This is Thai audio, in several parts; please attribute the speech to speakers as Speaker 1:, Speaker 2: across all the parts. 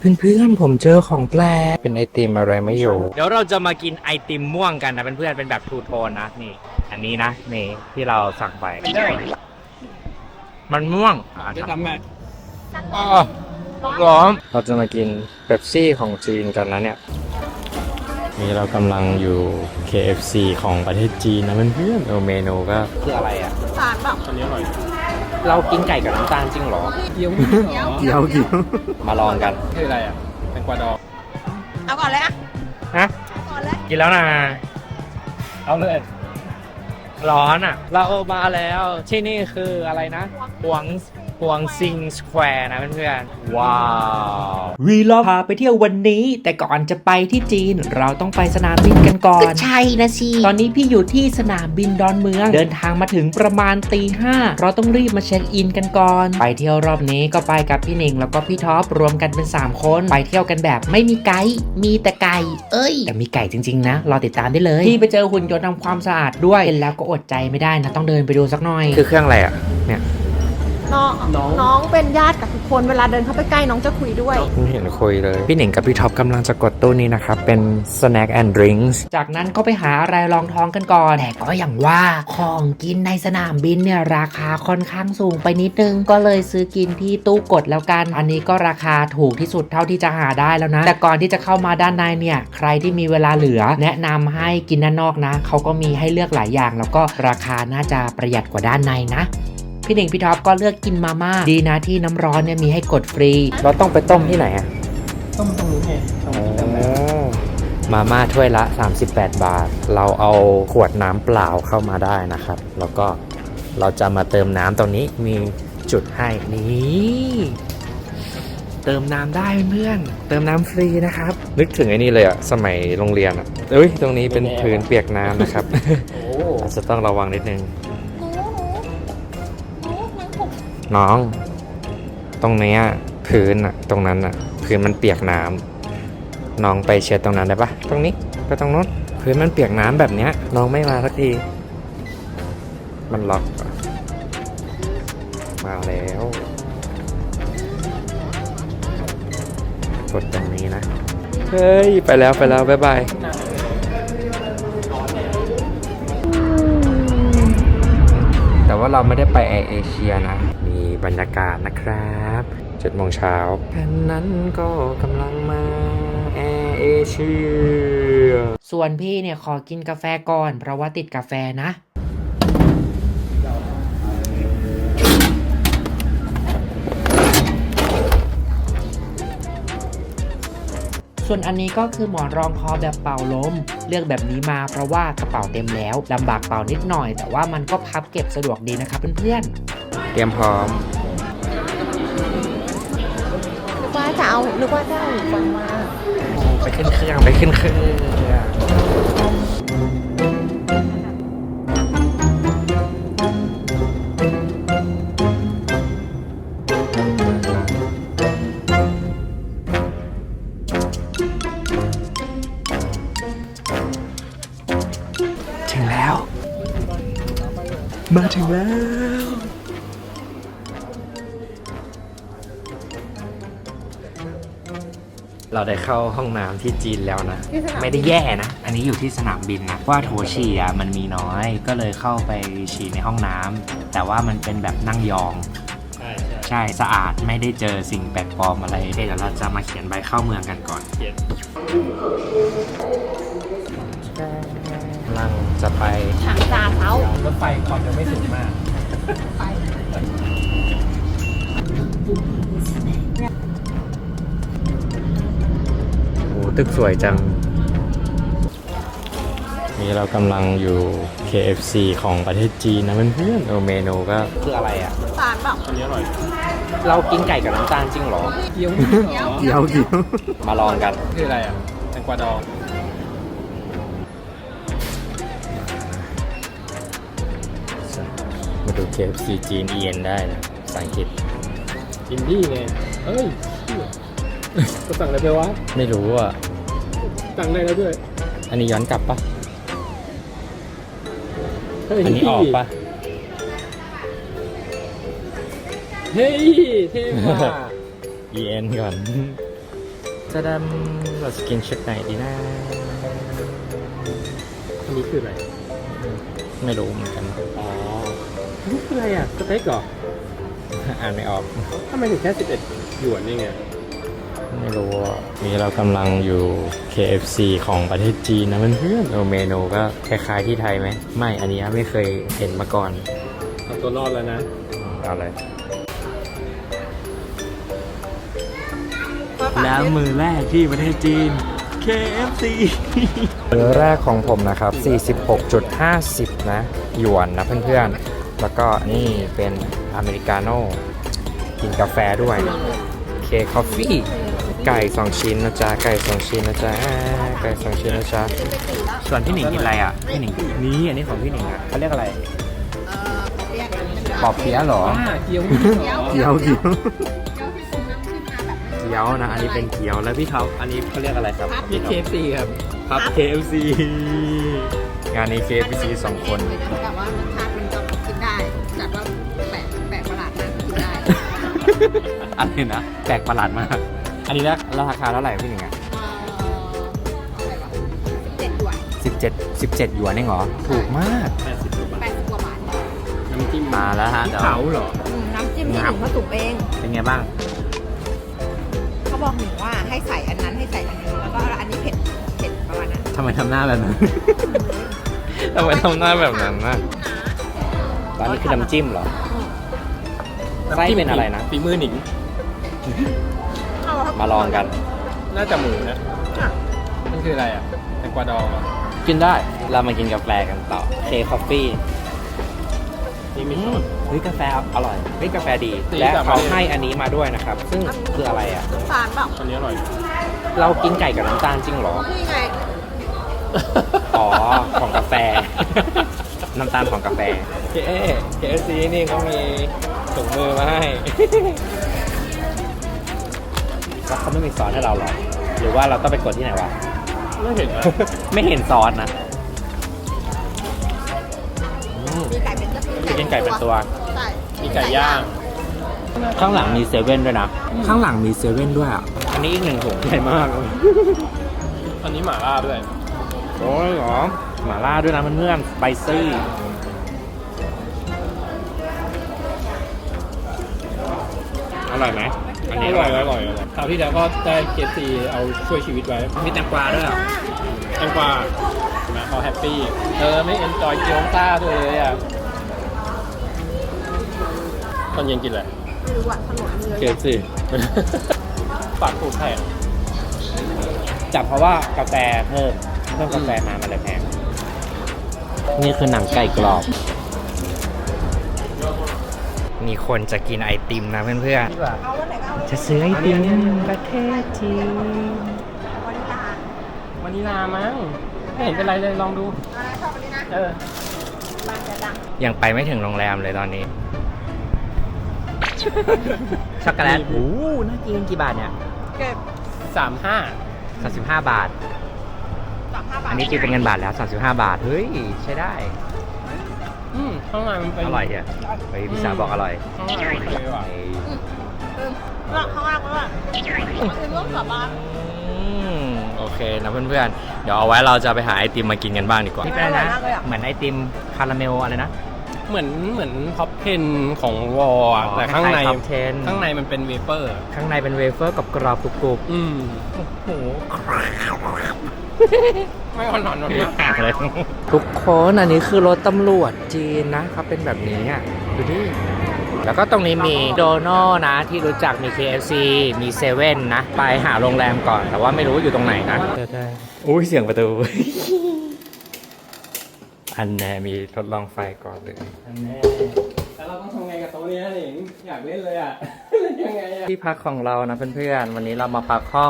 Speaker 1: เพื่อนๆผมเจอของแปลกเป็นไอติมอะไรไม่รู้เดี๋ยวเราจะมากินไอติมม่วงกันนะเพื่อนๆเป็นแบบทูโทนนะนี่อันนี้นะนี่ที่เราสั่งไปมันม่วงจะทำไงร้อนเราจะมากินเป๊ปซี่ของจีนกันนะเนี่ยนี่เรากำลังอยู่ KFC ของประเทศจีนนะเพื่อนๆเมนูก็คืออะไรอ่ะ
Speaker 2: สารแบบ
Speaker 1: อันนี้อร่อยเรากินไก่กับน้ำตาลจริงเหรอ
Speaker 2: เกี๊ยว
Speaker 1: เดี๋ยวมาลองกัน
Speaker 3: คืออะไรอ่ะแตงกวาดอง
Speaker 2: เอาก่อนเลยอะ
Speaker 1: ฮะ
Speaker 2: ก่อนเลย
Speaker 1: กินแล้วนะ
Speaker 3: เอาเลย
Speaker 1: ร้อนอ่ะ เรามาแล้วที่นี่คืออะไรนะหวงซิงสแควร์นะเพื่อนๆว้าววีล็อกพาไปเที่ยววันนี้แต่ก่อนจะไปที่จีนเราต้องไปสนามบินกันก่อน
Speaker 2: ใช่นะสิ
Speaker 1: ตอนนี้พี่อยู่ที่สนามบินดอนเมืองเดินทางมาถึงประมาณตีห้าเราต้องรีบมาเช็คอินกันก่อนไปเที่ยวรอบนี้ก็ไปกับพี่หนิงแล้วก็พี่ท็อปรวมกันเป็น3คนไปเที่ยวกันแบบไม่มีไกด์มีแต่ไก่แต่มีไก่จริงๆนะรอติดตามได้เลยพี่ไปเจอหุ่นยนต์ทำความสะอาดด้วยเห็นแล้วก็อดใจไม่ได้นะต้องเดินไปดูสักหน่อยคือเครื่องอะไรอ่ะเนี่ย
Speaker 2: น้องเป็นญาติกับทุกคนเวลาเดินเข้าไปใกล้น้องจะคุยด้วย
Speaker 1: ไม่เห็นคุยเลยพี่หนิงกับพี่ท็อปกำลังจะกดตู้นี้นะครับเป็น snack and drinks จากนั้นก็ไปหาอะไรรองท้องกันก่อนแต่ก็อย่างว่าของกินในสนามบินเนี่ยราคาค่อนข้างสูงไปนิดนึงก็เลยซื้อกินที่ตู้กดแล้วกันอันนี้ก็ราคาถูกที่สุดเท่าที่จะหาได้แล้วนะแต่ก่อนที่จะเข้ามาด้านในเนี่ยใครที่มีเวลาเหลือแนะนำให้กินด้านนอกนะเขาก็มีให้เลือกหลายอย่างแล้วก็ราคาน่าจะประหยัดกว่าด้านในนะพี่หนิงพี่ท็อปก็เลือกกินมาม่าดีนะที่น้ำร้อนเนี่ยมีให้กดฟรีเราต้องไปต้มที่ไหนอ่ะ
Speaker 3: ต้มตรงนู้นไง
Speaker 1: มาม่าถ้วยละ38 บาทเราเอาขวดน้ำเปล่าเข้ามาได้นะครับแล้วก็เราจะมาเติมน้ำตรงนี้มีจุดให้นี่เติมน้ำได้เพื่อนเติมน้ำฟรีนะครับนึกถึงไอ้นี่เลยอ่ะสมัยโรงเรียนอ่ะตรงนี้เป็นพื้นเปียกน้ำนะครับอาจจะต้องระวังนิดนึงน้องตรงนี้พื้นอะตรงนั้นอะพื้นมันเปียกน้ำน้องไปเช็ดตรงนั้นได้ปะตรงนี้ไปตรงนู้นพื้นมันเปียกน้ำแบบเนี้ยน้องไม่มาสักทีมันล็อกมาแล้วกดตรงนี้นะเฮ้ยไปแล้วบ๊ายบายแต่ว่าเราไม่ได้ไปแอร์เอเชียนะมีบรรยากาศนะครับ7 โมงเช้าแค่นั้นก็กำลังมาแอร์เอเชียส่วนพี่เนี่ยขอกินกาแฟก่อนเพราะว่าติดกาแฟนะส่วนอันนี้ก็คือหมอนรองคอแบบเป่าลมเลือกแบบนี้มาเพราะว่ากระเป๋าเต็มแล้วลำบากเป่านิดหน่อยแต่ว่ามันก็พับเก็บสะดวกดีนะครับเพื่อนๆเตรียมพร้อม
Speaker 2: นึกว่าจะเอาฟังมา
Speaker 1: ไปขึ้นเครื่องมาถึงแล้วเราได้เข้าห้องน้ำที่จีนแล้วนะไม่ได้แย่นะอันนี้อยู่ที่สนามบินนะว่าโถฉี่มันมีน้อยก็เลยเข้าไปฉี่ในห้องน้ำแต่ว่ามันเป็นแบบนั่งยองใช่สะอาดไม่ได้เจอสิ่งแปลกปลอมอะไรเดี๋ยวเราจะมาเขียนใบเข้าเมืองกันก่อนกำลังจะไป
Speaker 2: ทางซาเท้าร
Speaker 3: ถไฟความเร็วไม่สูงมาก
Speaker 1: โอ้ตึกสวยจังนี่เรากำลังอยู่ KFC ของประเทศจีนนะเพื่อนๆเมนูก็คืออะไรอ่ะ
Speaker 2: สารแบบ
Speaker 3: อันนี้อร่อย
Speaker 1: เรากินไก่กับน้ำตาลจริงเหรอ
Speaker 3: เกี๊ยว
Speaker 1: มาลองกัน
Speaker 3: คืออะไรอ่ะแตงกวาดอง
Speaker 1: มาดู KFC จีนเอียนได้นะภาษาอังกฤษ
Speaker 3: อินดี้ไงก็สั่งอะไรไปวะ
Speaker 1: ไม่รู้อ่ะ
Speaker 3: สั่งได้แล้วด้วย
Speaker 1: อันนี้ย้อนกลับปะอันนี้ออกปะ
Speaker 3: เฮ้ยเท่มาก
Speaker 1: เอ็นก่อนจะดำเราจะกินชุดไหนดีนะ
Speaker 3: อันนี้คืออะไร
Speaker 1: ไม่รู้เหมือนกัน
Speaker 3: อ๋อนี่คืออะไรอ่ะ สเต็กเหรอ
Speaker 1: อ่านไม่ออก
Speaker 3: ทำไมถึงแค่11หยวนนี่ไง
Speaker 1: ไม่รู้อ่ะนี่เรากำลังอยู่ KFC ของประเทศจีนนะเพื่อนๆเมนูก็คล้ายๆที่ไทยไหม ไม่ อันนี้ไม่เคยเห็นมาก่อน
Speaker 3: เอาตัวรอดแล้วนะ
Speaker 1: เอาเลย แล้วมือแรกที่ประเทศจีน KFC มือแรกของผมนะครับ 46.50 นะหยวนนะเพื่อนๆ แล้วก็นี่เป็นอเมริกาโน่กินกาแฟด้วยเคคอฟฟี่ไก่ 2 ชิ้นนะจ๊ะ ไก่ 2 ชิ้นนะจ๊ะไก่ 2 ชิ้นนะจ๊ะ ส่วนพี่หนิงกินอะไรอ่ะ พี่หนิงนี่อันนี้ของพี่หนิงอ่ะเขาเรียกอะไรปอบเปี๊ยะเหรอ
Speaker 3: เกี๊ยว
Speaker 1: เกี๊ยวเกี๊ยวเกี๊ยวนะ อันนี้เป็นเกี๊ยวแล้วพี่ท็อปอันนี้เขาเรียกอะไรครับ
Speaker 3: มี KFC ครับ
Speaker 1: ครับ KFC งานนี้ KFC 2 คน
Speaker 2: แต่ว่ารสชาติมันก็กินได้จัดว่าแปลกประหลาดมากกินได้
Speaker 1: อะไรนะแปลกประหลาดมาก อันนี้ราคาเท่าไหร่พี่หนึ่งอ่ะ
Speaker 2: อะไรวะ17 หยวน
Speaker 1: 17หยวนเองเหรอ ถูกมาก
Speaker 3: 80 กว่าบาท
Speaker 2: 80 กว่าบาท
Speaker 3: น้ำจิ้ม
Speaker 1: มาแล้วฮะ
Speaker 3: พริก
Speaker 1: เดี๋ยว
Speaker 3: เผาเหรอ
Speaker 2: น้ำจิ้มที่หนูผสมเอง
Speaker 1: เป็นไงบ้าง
Speaker 2: เขาบอกหนูว่าให้ใส่อันนั้นให้ใส่อันนี้แล้วก็อันนี้เผ็ดประมาณนั้น
Speaker 1: ทำไมทำหน้าแบบนั้น ทำไมทำหน้าแบบนั้นนะร้านนี้คือน้ำจิ้มเหรอ ไส้เป็นอะไรนะ
Speaker 3: ฝีมือหนิง
Speaker 1: มาลองกัน
Speaker 3: น่าจะหมูนะนี่คืออะไรอ่ะแตงกวาดองเหรอ
Speaker 1: กินได้ เรามากินกาแฟกันต่อเคคอฟฟี่
Speaker 3: นี่มี
Speaker 1: เฮ้ยกาแฟอร่อยเฮ้ยกาแฟดี
Speaker 3: ดี
Speaker 1: และ
Speaker 3: แบบ
Speaker 1: เขาให้อันนี้มาด้วยนะครับ ซึ่งคืออะไรอ่ะ
Speaker 2: น้ำตาลเปล่า
Speaker 3: อันนี้อร่อย
Speaker 1: เรากินไก่กับน้ำตาลจริงเหรอ
Speaker 2: นี่ไง
Speaker 1: อ๋อ ของกาแฟ น้ำตาลของกาแฟ KFC นี่เขามีถุงมือมาให้ แล้วเขาไม่มีซอสให้เราหรอ หรือว่าเราต้องไปกดที่ไหนวะ
Speaker 3: ไม่เห็นนะ
Speaker 1: ไม่เห็นซอสนะ
Speaker 2: มีไก่เป็น
Speaker 1: จะกินไก่เป็นตัว
Speaker 2: ใช่
Speaker 3: มีไก่ย่าง
Speaker 1: ข้างหลังมีเซเว่นด้วยนะ ข้างหลังมีเซเว่นด้วยอ่ะ อันนี้อีกหนึ่งถุงใหญ่มาก
Speaker 3: อันนี้หม่าล่าด้วย
Speaker 1: โอ้ยเหรอหม่าล่าด้วยนะเพื่อนๆสไปซี่อร่อยไหมอัน
Speaker 3: อ
Speaker 1: นี้
Speaker 3: ร่อยอร่อยคราวที่แล้วก็ได้ KFC เอาช่วยชีวิตไว้
Speaker 1: มีแตงกวาด้วยเหรอ
Speaker 3: แตงกวานะเขาแฮปปี้ไม่เอนจอยเกี๊ยวซ่าด้วยเลยอ่ะตอนเย็นกินอะไร
Speaker 2: ไม่รู้อะถนนมีเยอะ
Speaker 1: เค
Speaker 2: แยะ
Speaker 1: สิ
Speaker 3: ฝากผูกแผง
Speaker 1: จับเพราะว่ากาแฟเพิ่มกาแฟมามันเลยแพงนี่คือหนังไก่กรอบ มีคนจะกินไอติมนะเพื่อน
Speaker 3: ดีกว่า
Speaker 2: เอาวันไหนก็เอา
Speaker 1: ๆจะซื้อไอติมประเทศจีน
Speaker 2: วันนี้ลาว
Speaker 3: านิลามั้งไม่เห็นเป็นไรเลยลองดู
Speaker 2: อะไรชอบวันนี้นะ
Speaker 3: เออ
Speaker 2: บ้านจะดัง
Speaker 1: ยังไปไม่ถึงโรงแรมเลยตอนนี้ ช็อกโกแลตโอ้น่ากินกี่บาทเนี่ย
Speaker 2: เก็บ
Speaker 3: 35
Speaker 1: 35 บาท
Speaker 2: 35 บาท
Speaker 1: อันนี้ตีเป็นเงินบาทแล้ว 35 บาท เฮ้ย ใช้ได้
Speaker 3: ข้างในมันเป็น
Speaker 1: อร่อยอ่ะเฮ้ยพี่สาวบอกอร่อย
Speaker 3: ข้างในโอเคว่ะ
Speaker 1: เฮ้ย
Speaker 2: ข้างล่างก็ว่าคือเรื่องกลับบ้าน
Speaker 1: โอเคนะเพื่อนๆ เดี๋ยวเอาไว้เราจะไปหาไอติมมากินกันบ้างดีกว่า นี่เป็นอะไรนะ
Speaker 2: อร่อยมากเลยอะ
Speaker 1: เหมือนไอติมคาราเมลอะไรนะ
Speaker 3: เหมือนท็อป10ของวอลอะ
Speaker 1: อ๋อ
Speaker 3: แต่ข้างใน
Speaker 1: คล้ายๆ Top 10
Speaker 3: ข้างในมันเป็นเวเปอร์
Speaker 1: ข้างในเป็นเวเฟอร์กับกรอบกรุบ
Speaker 3: อืม
Speaker 1: ๆโอ้โห
Speaker 3: ไม่อ่อนๆนะ
Speaker 1: เลยทุกคนอันนี้คือรถตำรวจจีนนะเขาเป็นแบบนี้อ่ะดูดิแล้วก็ตรงนี้มีโดนัลนะที่รู้จักมี KFC มีเซเว่นนะ ไปหาโรงแรมก่อน แต่ว่าไม่รู้อยู่ตรงไหนนะอุ้ยเสียงประตู อันแน่มีทดลองไฟก่อนเลย
Speaker 3: แล้วเราต้องทำไงกับโต๊ะนี้หนิงอยากเล่นเลยอ่ะ เล่นยังไงอ่ะ
Speaker 1: ที่พักของเรานะเพื่อนๆวันนี้เรามาพักห้อง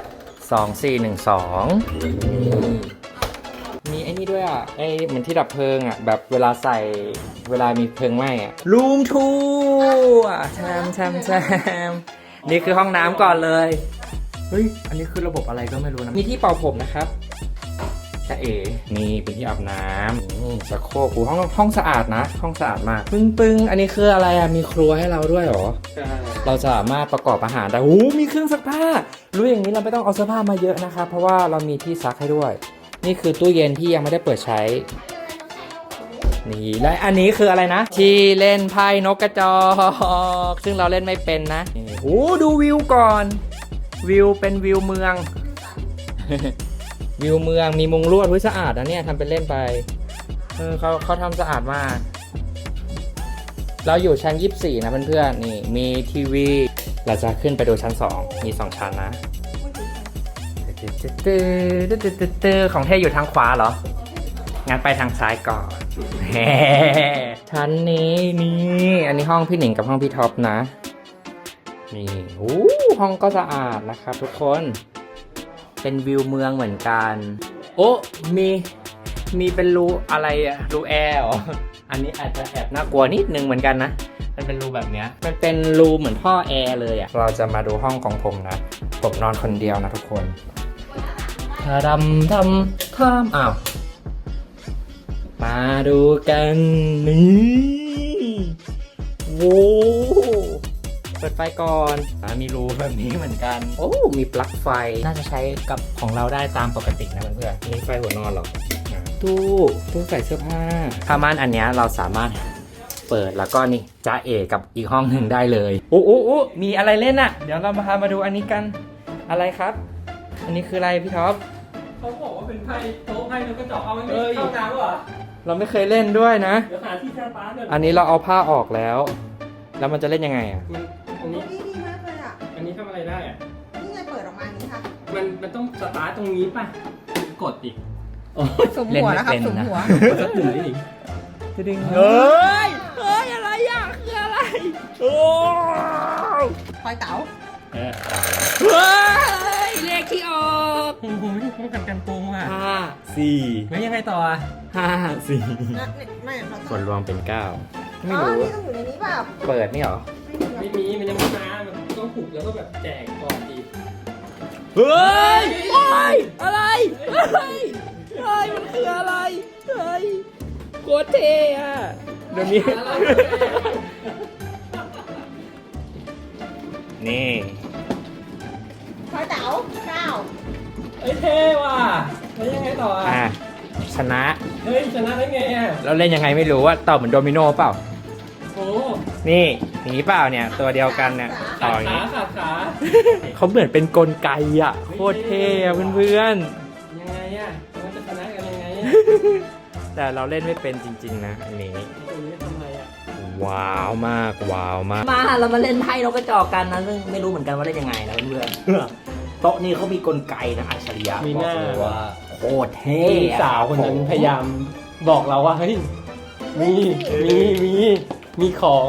Speaker 1: 2412มีไอ้นี่ด้วยอ่ะไอ้เหมือนที่ดับเพลิงอ่ะแบบเวลามีเพลิงไหม้อ่ะรูมทูอ่ะแชมนี่คือห้องน้ำก่อนเลยเฮ้ยอันนี้คือระบบอะไรก็ไม่รู้นะมีที่เป่าผมนะครับแต่นี่เป็นที่อาบน้ำชักโครกห้องสะอาดนะห้องสะอาดมากปึ้งอันนี้คืออะไรอ่ะมีครัวให้เราด้วยเหรอ เราสามารถประกอบอาหารได้โอ้มีเครื่องซักผ้ารู้อย่างนี้เราไม่ต้องเอาเสื้อผ้ามาเยอะนะครับเพราะว่าเรามีที่ซักให้ด้วย นี่คือตู้เย็นที่ยังไม่ได้เปิดใช้ นี่และอันนี้คืออะไรนะ ที่เล่นไพ่นกกระจอกซึ่งเราเล่นไม่เป็นนะนี่โอ้ดูวิวก่อน วิวเป็นวิวเมือง วิวเมืองมีมุงลวดสะอาดนะเนี่ยทำเป็นเล่นไปเขาทำสะอาดมาก เราอยู่ชั้น 24 นะเพื่อนๆนี่มีทีวี เราจะขึ้นไปดูชั้น 2 มี 2 ชั้นนะของเท่อยู่ทางขวาเหรอ งั้นไปทางซ้ายก่อน ชั้นนี้นี่อันนี้ห้องพี่หนิงกับห้องพี่ท็อปนะ นี่โอ้ห้องก็สะอาดนะครับทุกคน เป็นวิวเมืองเหมือนกัน โอ้มีเป็นรูอะไรอะรูแอร์เหรอ อันนี้อาจจะแอบน่ากลัวนิดนึงเหมือนกันนะ มันเป็นรูแบบเนี้ยมันเป็นรูเหมือนท่อแอร์เลยอะเราจะมาดูห้องของผมนะ ผมนอนคนเดียวนะทุกคนทำอ้าว มาดูกันนี่โว้เปิดไฟก่อนมีรูแบบนี้เหมือนกันโอ้มีปลั๊กไฟน่าจะใช้กับของเราได้ตามปกตินะเพื่อนๆนี่ไฟหัวนอนเหรอตู้ใส่เสื้อผ้าผ้าม่านอันเนี้ยเราสามารถเปิดแล้วก็นี่จ้าเอกับอีกห้องหนึ่งได้เลยโอ้มีอะไรเล่นอ่ะเดี๋ยวเรามาดูอันนี้กันอะไรครับ อันนี้คืออะไรพี่ท็อป
Speaker 3: เขาบอกว่าเป็นไพ่โต๊ะไพ่นกกระจอกเอาไม่เข้าน้ำหรอ
Speaker 1: เราไม่เคยเล่นด้วยนะ
Speaker 3: เดี๋ยวหาที่ชาปาร์ก
Speaker 1: อันนี้เราเอาผ้าออกแล้ว แล้วมันจะเล่นยังไงอ่ะ
Speaker 3: อันนี้
Speaker 2: นี่ดีมากเลยอ่ะ
Speaker 3: อันนี้ทำอะไรได้อะ
Speaker 2: นี่ไงเปิดออกมาอย่างนี้ค่ะ
Speaker 3: มันต้องสตาร์ทตรงนี้ป่ะกดอีก
Speaker 2: สมหัวนะครับสมหัว
Speaker 3: กดสักหนึ่งได้อีก
Speaker 1: เฮ้ยอะไรอ่ะคืออะไรโอ้
Speaker 2: คอยเต๋า
Speaker 1: เฮ้ยเลขที่ออก
Speaker 3: โอ้โหป้องกันการโกงอ่ะ
Speaker 1: 5
Speaker 3: แล้วยังไงต่ออ่ะ
Speaker 1: 4 5
Speaker 2: ไม่เรา
Speaker 1: 4ส่วนรวมเป็น 9 ไม่
Speaker 2: อ๋อ
Speaker 1: รู้
Speaker 2: นี่ต้องอยู่ในนี้เปล่า
Speaker 1: เปิดนี่เหรอ
Speaker 3: ไม่มีมันยังไม่มามันต้องผูกแล้วก็แบบแจกก่อนอีก
Speaker 1: เฮ้ยอะไรมันคืออะไรเฮ้ยโคตรเท่อะเดี๋ยวนี้ นี่
Speaker 2: คอยเต๋า9
Speaker 3: เอ้ยเท่ว่ะแล้วยังไงต่ออ่ะ
Speaker 1: ชนะ
Speaker 3: เฮ้ยชนะได้ไงอ่ะ
Speaker 1: เราเล่นยังไงไม่รู้ว่าต่อเหมือนโดมิโนเปล่า
Speaker 3: โอ้
Speaker 1: นี่อย่างนี้เปล่าเนี่ยตัวเดียวกันเนี่ยต่ออย่างนี้
Speaker 3: ขาขา
Speaker 1: เขาเหมือนเป็นกลไกอ่ะโคตรเท่อะเพื่อน
Speaker 3: ยังไงอ่ะมันจะชนะกันยังไงอ่ะ
Speaker 1: ๆแต่เราเล่นไม่เป็นจริงๆนะอันนี้
Speaker 3: ตรงนี้ทำอะไรอ่ะ
Speaker 1: ว้าวมาก
Speaker 4: มาเรามาเล่นไพ่นกกระจอกกันนะซึ่งไม่รู้เหมือนกันว่าเล่นยังไงนะเพื่อนๆโต๊ะนี้เขามีกลไกนะอัจฉริยะ
Speaker 3: มี
Speaker 4: บ
Speaker 3: ห
Speaker 4: อก
Speaker 3: น้า
Speaker 4: เลยว่าโคตรเท่
Speaker 3: พี่สาวคนนั้นพยายามบอกเราว่าเฮ้ยมีของ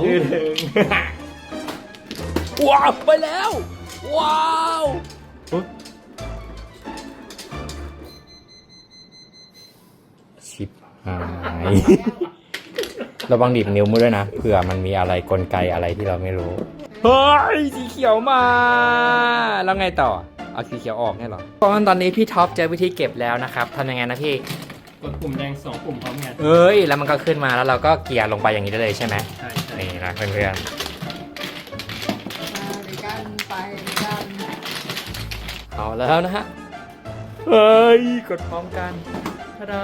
Speaker 1: ว้าวไปแล้ว ว้าวชิบหายระวังดีดนิ้วมือด้วยนะเผื่อมันมีอะไรกลไกอะไรที่เราไม่รู้เฮ้ยสีเขียวมาแล้วไงต่อเอาสีเขียวออกเนี่ยเหรอตอนนี้พี่ท็อปเจอวิธีเก็บแล้วนะครับทำยังไงนะพี่
Speaker 3: กดปุ่มแดง2ปุ่มพร้อมกัน
Speaker 1: เอ้ยแล้วมันก็ขึ้นมาแล้วเราก็เกียร์ลงไปอย่างนี้ได้เลยใช่ไหม
Speaker 3: ใช่
Speaker 1: นี่นะเพื่อน
Speaker 2: ไปกัน
Speaker 1: ๆเอาแล้วนะฮะเฮ้ยกดพร้อมกันทะดา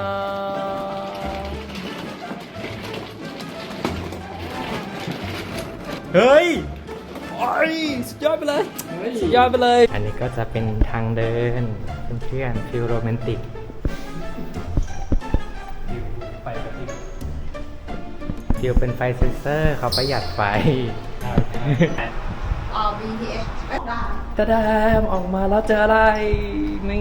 Speaker 1: เฮ้ยโอ้ยสุดยอดไปเลยสุดยอดไปเลย อันนี้ก็จะเป็นทางเดินเพื่อนๆฟิลโรแมนติก
Speaker 3: ไปกับที่
Speaker 1: ฟิลเป็นไฟเซนเซอร์เขาประหยัดไฟ
Speaker 2: BTS ได้
Speaker 1: ตะดามออกมาแล้วเจออะไร นี่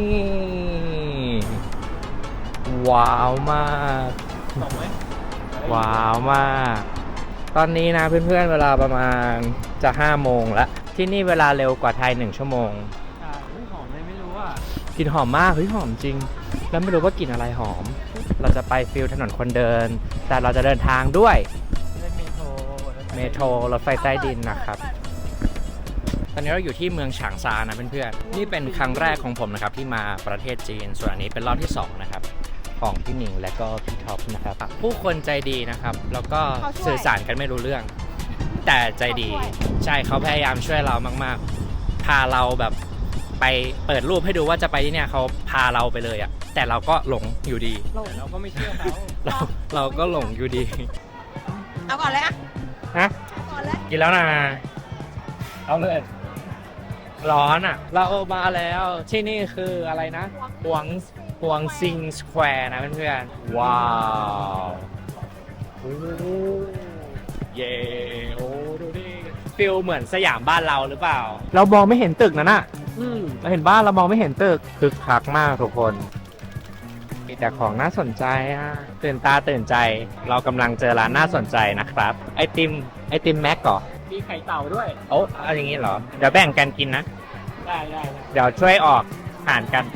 Speaker 1: ว้าวมาก
Speaker 3: ตกไหม
Speaker 1: ว้าวมาก ตอนนี้นะเพื่อนๆเวลาประมาณจะ5 โมงแล้ว ที่นี่เวลาเร็วกว่าไทย1 ชั่วโมง
Speaker 3: หอมเลยไม่รู้อ่ะ
Speaker 1: กลิ่นหอมมากเฮ้ยหอมจริง แล้วไม่รู้ว่ากลิ่นอะไรหอม เราจะไปฟิลถนนคนเดิน แต่เราจะเดินทางด้วยเมโทรรถไฟใต้ดินนะครับ ตอนนี้เราอยู่ที่เมืองฉางซานะเพื่อนๆนี่เป็นครั้งแรกของผมนะครับที่มาประเทศจีน ส่วนอันนี้เป็นรอบที่2นะครับของพี่หนิงและก็พี่ท็อปนะครับผู้คนใจดีนะครับแล้วก็สื่อสารกันไม่รู้เรื่อง แต่ใจดีใช่เขาพยายามช่วยเรามากๆพาเราแบบไปไปเปิดรูปให้ดูว่าจะไปที่เนี่ยเขาพาเราไปเลยอะแต่เราก็หลงอยู่ดี
Speaker 3: แต่เราก็ไม่เชื่อเขา
Speaker 1: เราก็หลงอยู่ดี
Speaker 2: เอาก่อนเลยอะ
Speaker 1: ฮะ
Speaker 2: เอาก่อนเลย
Speaker 1: กินแล้วนะ
Speaker 3: เอาเลย
Speaker 1: ร้อนอะเรามาแล้วที่นี่คืออะไรนะฮวงซิงสแควร์นะเพื่อนๆว้าวโอ้เย่โอ้ดูดิฟิลเหมือนสยามบ้านเราหรือเปล่า เรามองไม่เห็นตึกนั่นน่ะเราเห็นบ้านเรามองไม่เห็นตึกคึกคักมากทุกคนมีแต่ของน่าสนใจอ่ะตื่นตาตื่นใจ เรากำลังเจอร้านน่าสนใจนะครับ ไอติมแม็กก่อ
Speaker 3: มีไข่เต่าด้วย
Speaker 1: โอ้เอาอย่างงี้เหรอเดี๋ยวแบ่งกันกินนะ
Speaker 3: ได้
Speaker 1: เดี๋ยวช่วยออกหารกัน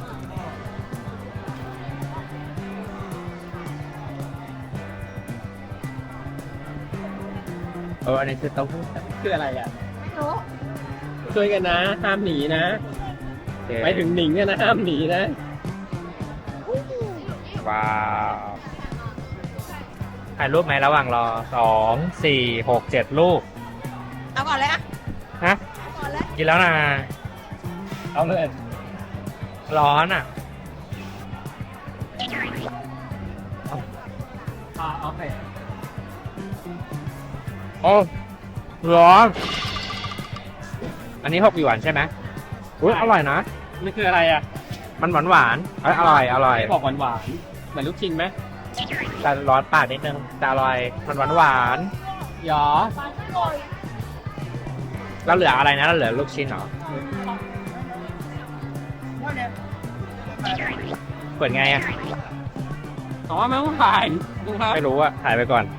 Speaker 1: อันนี้คือเต้าหู้
Speaker 3: คืออะไรอ่ะ
Speaker 2: ไม่รู้
Speaker 3: ช่วยกันนะ ห้ามหนีนะ ไปถึงหนิงเนี่ยนะ ห้ามหนีนะ
Speaker 1: ว้าวถ่ายรูปไหมระหว่างรอ2 4 6 7 รูป
Speaker 2: เอาก่อนเลยอะ
Speaker 1: ฮะ
Speaker 2: เอาก่อนเลย
Speaker 1: กินแล้วนะ
Speaker 3: เอาเลย
Speaker 1: ร้อนอ่ะ
Speaker 3: โอเค
Speaker 1: โอ้ร้อน อันนี้6 หยวนใช่ไหมอุ้ยอร่อยนะ
Speaker 3: นี่คืออะไรอ่ะ
Speaker 1: มันหวานๆอร่อยอร่อย
Speaker 3: ไม่บอกหวานๆเหมือนลูกชิ้นไหม
Speaker 1: แต่ร้อนปากนิดนึงแต่อร่อยมันหวาน
Speaker 3: หยอ
Speaker 1: ๆแล้วเหลืออะไรนะแล้วเหลือลูกชิ้นเหรอเปิดไงอ่ะ
Speaker 3: อ๋อไม่ต้องถ่ายดูครับ
Speaker 1: ไม่รู้อ่ะถ่ายไปก่อน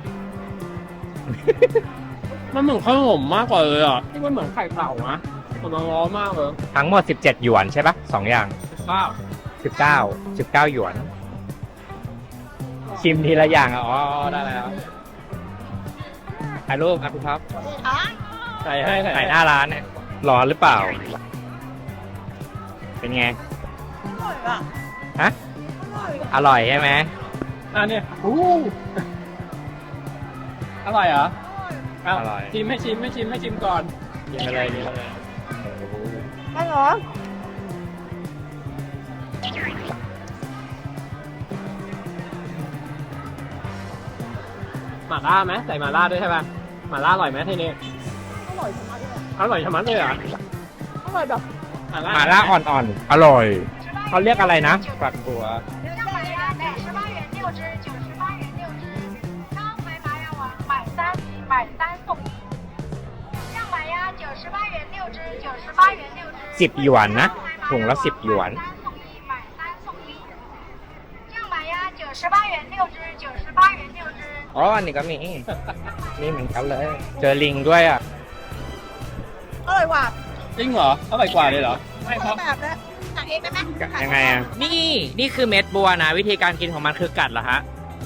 Speaker 3: มันเหมือนขนมมากกว่าเลยอ่ะที่มันเหมือนไข่เต่านะมันร้อนมากเลย
Speaker 1: ทั้งหมด17 หยวนใช่ปะ2 อย่าง
Speaker 3: ข้าว
Speaker 1: 19 หยวน ชิมทีละอย่างอ่ะอ๋อได้แล้วถ่ายรูปครับพี่ท็อป
Speaker 3: ใส่ให้
Speaker 1: ถ่ายหน้าร้านเนี่ยร้อนหรือเปล่า เป็นไง
Speaker 2: อร่อยอะ
Speaker 1: ฮะ อร่อยใช่ไหม
Speaker 3: อันนี้อร่อยเหรอเอา
Speaker 1: อร่อย
Speaker 3: ชิมให้ชิมก่อน
Speaker 1: กินไปเลยกินไปเลย
Speaker 2: ไม่เหรอ
Speaker 3: หม่าล่าไหมใส่หม่าล่าด้วยใช่ป่ะหม่าล่าอร่อยไหมทีนี้
Speaker 2: อร่อยชะมัดเลยอะ
Speaker 3: อร่อยชะมัดเลยเหรอ
Speaker 2: อร่อยแบบ
Speaker 1: หมาล่าอ่อนๆ อร่อย เขาเรียกอะไรนะฝักบัว
Speaker 5: 酱麻鸭98元6只，98元6只。刚回麻鸭王买3送1。酱麻鸭98元6只，98元6只。
Speaker 1: 10 หยวนนะถุงละ10 หยวน
Speaker 5: 买3送1。酱麻鸭98元6只，98元6只。
Speaker 1: อ๋อ อันนี้ก็มี นี่เหมือนกันเลย เจอลิงด้วยอ่ะ
Speaker 2: อร่อยว่ะ
Speaker 3: จริงเหรออร่อยกว่าเลยเหรอ
Speaker 2: ไม่เพราะแบบนะสั่งเองได้ไหม
Speaker 1: ยังไงอ่ะ นี่คือเม็ดบัวนะ วิธีการกินของมันคือกัดเหรอฮะ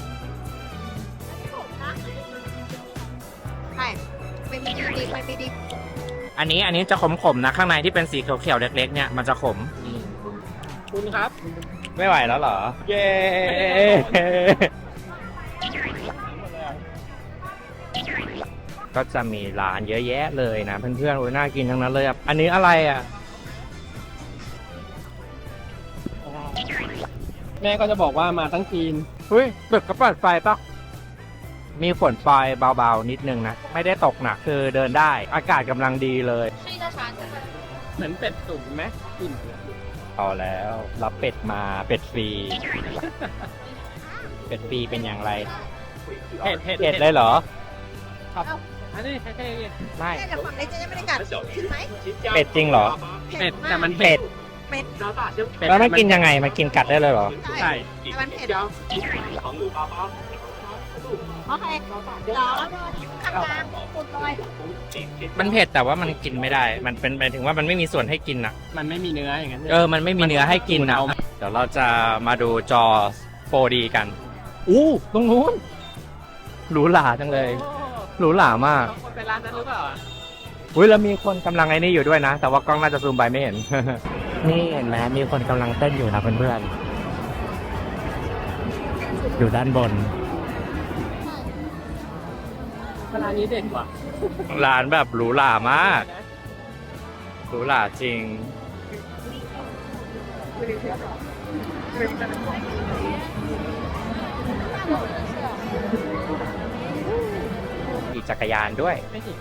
Speaker 2: ใช่ไม่มีดิบไม่มีดิบ
Speaker 1: อันนี้จะขมๆนะ ข้างในที่เป็นสีเขียวๆเล็กๆเนี่ยมันจะขม
Speaker 3: คุณครับ
Speaker 1: ไม่ไหวแล้วเหรอ เย้ ก็จะมีร้านเยอะแยะเลยนะเพื่อนๆโอ้ยน่ากินทั้งนั้นเลยอ่ะ อันนี้อะไรอ่ะ
Speaker 3: แม่ก็จะบอกว่ามาทั้งจีน
Speaker 1: เฮ้ยตึกก็เปิดไฟปะมีฝนปลายเบาๆนิดนึงนะ ไม่ได้ตกหนักคือเดินได้ อากาศกำลังดีเลย
Speaker 3: เหมือนเป็ดตุ๋นไหมกลิ่น
Speaker 1: เอาแล้วรับเป็ดมาเป็ดฟรี เป็ดฟรีเป็นอย่างไร
Speaker 3: เผ็ด
Speaker 1: เผ็ดเลยเหรอ
Speaker 3: อันนี้เท่
Speaker 1: ไม่
Speaker 2: แม่จะฝั่งเล็กจะไม่ได้กัดขึ้นไหม
Speaker 1: เป็ดจริงเหรอ
Speaker 3: ๆเป็ดแต่มัน
Speaker 1: เป็ด
Speaker 2: เป็ด
Speaker 1: แล้วมันกินยังไงมันกินกัดได้เลยเหรอ
Speaker 3: ใช่
Speaker 2: แต่มันเผ็ดโอเคเดี๋ยวข้างล่างปุดเลย
Speaker 1: มันเผ็ดแต่ว่ามันกินไม่ได้ มันเป็นหมายถึงว่ามันไม่มีส่วนให้กินอ่ะ
Speaker 3: มันไม่มีเนื้ออย่างนั้น
Speaker 1: มันไม่มีเนื้อให้กินนะเดี๋ยวเราจะมาดูจอ 4D กัน อู้ตรงนู้นหรูหราจังเลย หรูหรามาก
Speaker 3: คนไปร้านนั้นหรือเปล่า
Speaker 1: อุ้ยแล้วมีคนกำลังไอ้นี่อยู่ด้วยนะ แต่ว่ากล้องน่าจะซูมไปไม่เห็น นี่เห็นไหมมีคนกำลังเต้นอยู่นะเพื่อนๆอยู่ด้านบน
Speaker 3: ร้านนี้เด็ดกว่า
Speaker 1: ร้านแบบหรูหรามากหรูหราจริงขี่จักรยานด้วย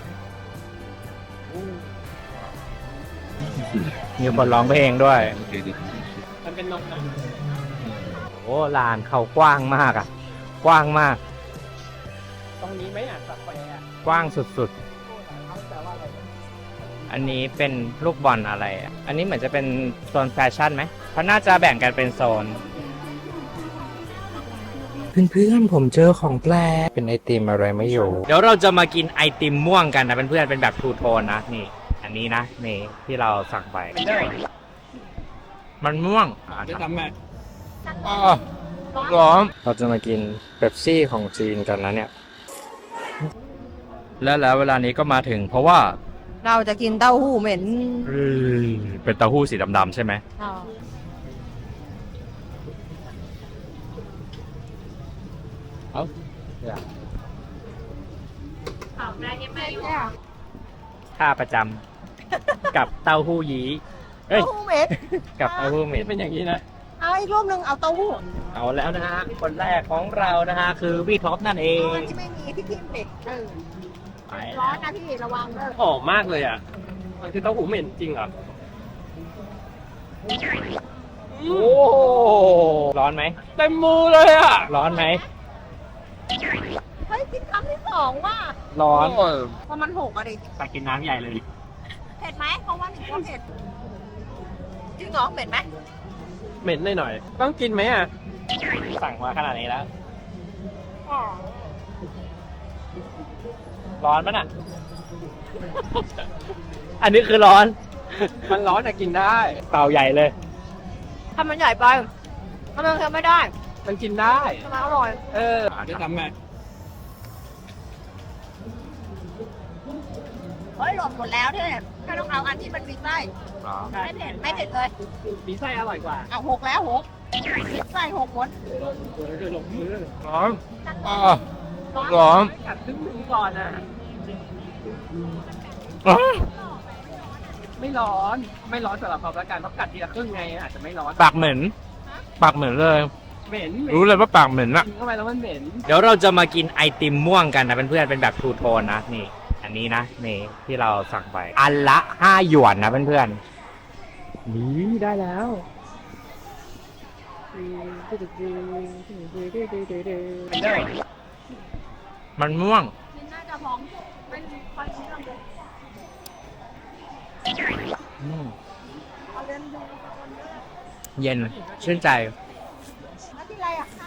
Speaker 1: มีคนร้องเพลงด้วย
Speaker 3: มันเป็นนกนะ
Speaker 1: โอ้ลานเขากว้างมากอ่ะ กว้างมาก
Speaker 3: ตรงนี้ไหมอ่ะสับแปะ
Speaker 1: กว้างสุดๆ อันนี้เป็นลูกบอลอะไรอ่ะ อันนี้เหมือนจะเป็นโซนแฟชั่นไหมเพราะน่าจะแบ่งกันเป็นโซน เพื่อนๆผมเจอของแปลกเป็นไอติมอะไรไม่อยู่ เดี๋ยวเราจะมากินไอติมม่วงกันนะเพื่อนๆเป็นแบบทูโทนนะนี่ อันนี้นะนี่ที่เราสั่งไป
Speaker 3: ไม่ได้
Speaker 1: มันม่วง
Speaker 3: จะทำไง
Speaker 1: ร้อนเราจะมากินเป๊ปซี่ของจีนกันนะเนี่ย แล้วเวลานี้ก็มาถึงเพราะว่า
Speaker 2: เราจะกินเต้าหู้เหม็น
Speaker 1: เป็นเต้าหู้สีดำๆใช่ไหม ท่าประจำ กับเต้าหู้ยี้เอ้ย
Speaker 2: เต้าหู้เหม็น
Speaker 1: กับเต้าหู้เหม็
Speaker 3: นี่
Speaker 1: น
Speaker 3: เป็นอย่างนี้นะ
Speaker 2: เอาอีกรูปหนึ่งเอาเต้าหู้
Speaker 1: เอาแล้วนะฮะ คนแรกของเรานะฮะ คือพี่ท็อปนั่นเอง
Speaker 2: ที่ไม่มีที่กินเผ็ด
Speaker 1: ไป
Speaker 2: ร้อนนะพี่ระวังเด้อ
Speaker 3: หอมมากเลยอ่ะ มันคือเต้าหู้เหม็นจริงเหรอ
Speaker 1: โอ้ร้อนไหม
Speaker 3: เต็มมือเลยอ่ะ
Speaker 1: ร้อนไหม
Speaker 2: เฮ้ยกินคำที่สองว่ะ
Speaker 1: ร้อน
Speaker 2: เพราะมันหกอะดิ
Speaker 1: ไปกินน้ำใหญ่เลย
Speaker 2: เผ็ดไหมเพราะว่าหนูก็เผ็ดจริงเหรอเผ็ดไหม
Speaker 3: เหม็นหน่อยๆต้องกินไหมอ่ะ
Speaker 1: สั่งมาขนาดนี้แล้ว ร้อนปะน่ะ อันนี้คือร้อน
Speaker 3: มันร้อนแต่กินได้
Speaker 1: เตาใหญ่เลย
Speaker 2: ถ้ามันใหญ่ไปถ้ามันเค็มไม่ได้
Speaker 3: มันกินได้
Speaker 2: ทำไมอร่อย
Speaker 3: จะทำไง
Speaker 2: เฮ้ยหล่นหมดแล้วเนี่ยถ้าต้องเอาอันที่มันมีไส้ไม่เผ็ดไม่เผ็ดเลย
Speaker 3: มีไส้อร่อยกว่า
Speaker 2: เอาหกแล้วหกมีไส้หกหมด
Speaker 3: คือลงมือ
Speaker 1: ร้อนร้อน
Speaker 3: กัดครึ่งหนึงก่อนอ่ะ ไม่ร้อน ไม่ร้อนสำหรับเราละกันเพราะกัดทีละครึ่งไงอาจจะไม่ร้อน
Speaker 1: ปากเหม็น ปากเหม็นเลย
Speaker 3: เหม็น
Speaker 1: รู้เลยว่าปากเหม็นอะ
Speaker 3: กินเข้าไปแล้วมันเหม็น
Speaker 1: เดี๋ยวเราจะมากินไอติมม่วงกันนะเพื่อนๆเป็นแบบทูโทนนะนี่ อันนี้นะนี่ที่เราสั่งไป อันละ5 หยวนนะเพื่อนๆนี่ได้แล้ว มันม่วง
Speaker 2: น่าจะพร้อมเป็นคอนชิ้นเลย
Speaker 1: เย็นชื่นใจ
Speaker 2: แล้วที่ไรอ่ะข้าว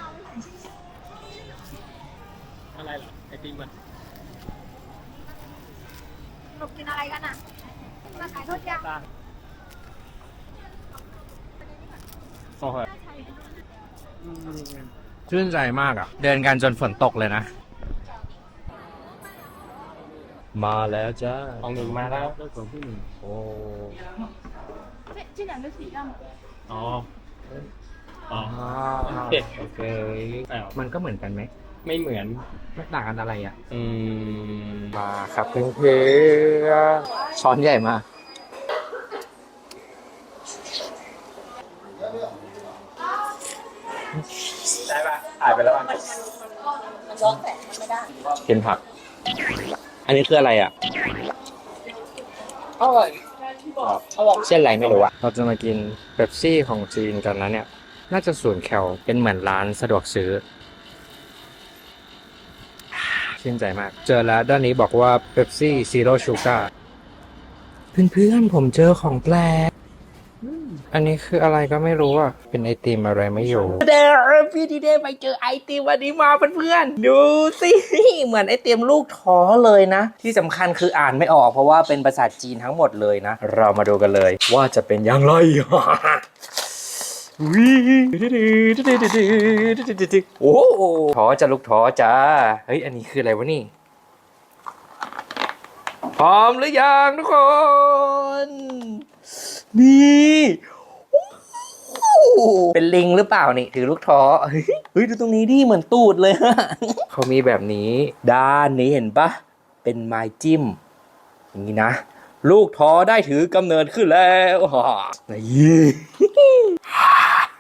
Speaker 3: อะไรเหรอไอติมมัน
Speaker 2: หนูกินอะไรกันอ่ะมาขายทอดยาง
Speaker 3: โอ้โห
Speaker 1: ชื่นใจมากอ่ะ เดินกันจนฝนตกเลยนะ มาแล้วจ้า
Speaker 3: ของหนึ่งมาแล้ว
Speaker 1: โอ้
Speaker 2: 这两个是一样的
Speaker 3: อ๋อ อ๋อ
Speaker 1: เด็ดโอเค มันก็เหมือนกันไหม
Speaker 3: ไม่เหมือน
Speaker 1: ไม่ต่างกันอะไรอ่ะ
Speaker 3: ม
Speaker 1: มาครับเพื่อนๆช้อนใหญ่มากได้ปะถ่ายไปแล้วป่ะ
Speaker 2: มันย้อนแสงมันไม่ได้
Speaker 1: กินผัก อันนี้คืออะไรอ่ะอร่อยเส้นอะไรไม่รู้อะเราจะมากินเป๊ปซี่ของจีนกันนะเนี่ย น่าจะ0 แคลเป็นเหมือนร้านสะดวกซื้อ ชื่นใจมาก เจอแล้วด้านนี้บอกว่าเป๊ปซี่ซีโร่ชูการ์เพื่อนๆผมเจอของแปลก อันนี้คืออะไรก็ไม่รู้อ่ะ เป็นไอติมอะไรไม่อยู่เด้อพี่ดีเด้ไปเจอไอติมวันนี้มาเพื่อนๆดูสิ เหมือนไอติมลูกท้อเลยนะ ที่สำคัญคืออ่านไม่ออกเพราะว่าเป็นภาษาจีนทั้งหมดเลยนะ เรามาดูกันเลย ว่าจะเป็นอย่างไร โอ้ท้อจะลูกท้อจ้า เฮ้ย อันนี้คืออะไรวะนี่ พร้อมหรือยังทุกคน นี่เป็นลิงหรือเปล่านี่ถือลูกท้อเฮ้ยดูตรงนี้ดิเหมือนตูดเลยฮะ เขามีแบบนี้ด้านนี้เห็นปะเป็นไม้จิ้มอย่างนี้นะลูกท้อได้ถือกำเนิดขึ้นแล้วนี่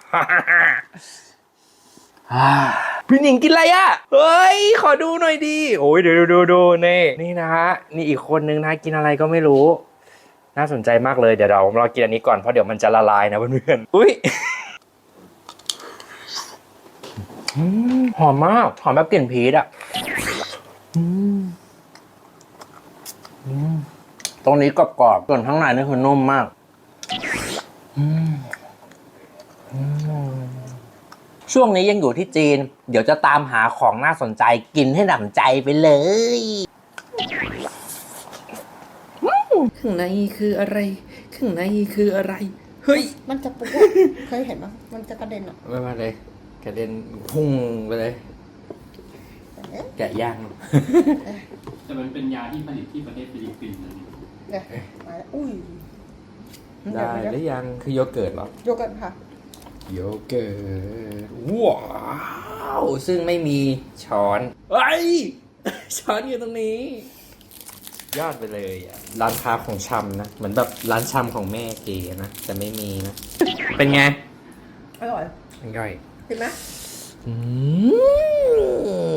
Speaker 1: พี่หนิงกินอะไรอ่ะ เฮ้ย ขอดูหน่อยดี โอ้ยเดี๋ยวดูนี่นะฮะ นี่อีกคนนึงนะกินอะไรก็ไม่รู้ น่าสนใจมากเลย เดี๋ยวเรากินอันนี้ก่อน เพราะเดี๋ยวมันจะละลายนะเพื่อนๆ อุ้ยหอมมาก หอมแบบกลิ่นพีชอ่ะตรงนี้กรอบๆส่วนข้างในนี่คือนุ่มมากช่วงนี้ยังอยู่ที่จีน เดี๋ยวจะตามหาของน่าสนใจกินให้หนำใจไปเลยข้างในคืออะไรข้างในคืออะไร เฮ้ย
Speaker 2: มันจะปุ๊บเคยเห็นปะมันจะกระเด็นอ่ะ
Speaker 1: ไม่มาเลยกระเด็นพุ่งไปเลย แกะย่าง
Speaker 3: แต่มันเป็นยาที่ผลิตที่ประเทศฟิลิปปินส์นะ
Speaker 2: เนี่ยมาแล้วอุ้ย
Speaker 1: ได้หรือยังคือโยเกิร์ตเหรอ
Speaker 2: โยกันค่ะ
Speaker 1: โยเกิร์ตว้าวซึ่งไม่มีช้อนเฮ้ย ช้อนอยู่ตรงนี้ ยอดไปเลยอ่ะร้านค้าของชำนะเหมือนแบบร้านชำของแม่เก๋นะแต่ไม่มีนะ เป็นไง
Speaker 2: อร่อย
Speaker 1: อร่อย
Speaker 2: เห็นไหม
Speaker 1: อืม